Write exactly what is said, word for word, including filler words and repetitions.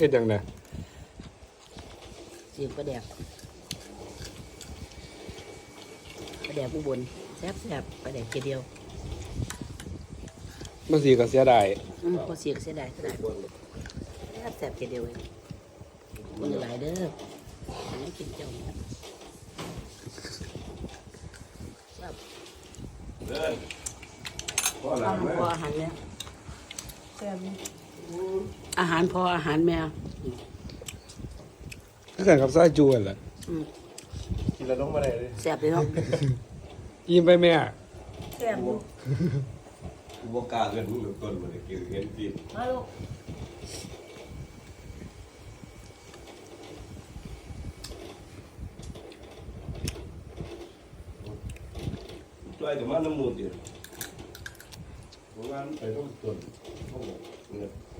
ฮ็ดจังได๋เสียงปลาแดกปลาแดกอุบลแซ่บแซ่บปลาแดกเกเดียวมันสิก็เสียดายอืมพอเสียงเสียดายเสียดายแซ่บแซ่บเกเดียวเองคนหลายเด้ออันนี้กินเจ้าเนี่ยแซ่บเดินพ่อหลัอาง หารแม่พออาหารแม่แซ่บนี่อาหารพออาหารแม่คือกันกับซอยจูนั่นแหละอืมกินแล้วต้องมาได้เลยแซ่บเลยเนาะอิ่มไปแม่แซ่บอยู่กูบอกกล้าเงินมึงต้นมาเลยกินเห็นกินมาลูกช่วยกับมันน้ำมูดดิเพราะว่าไปต้องต้นต้องเงิน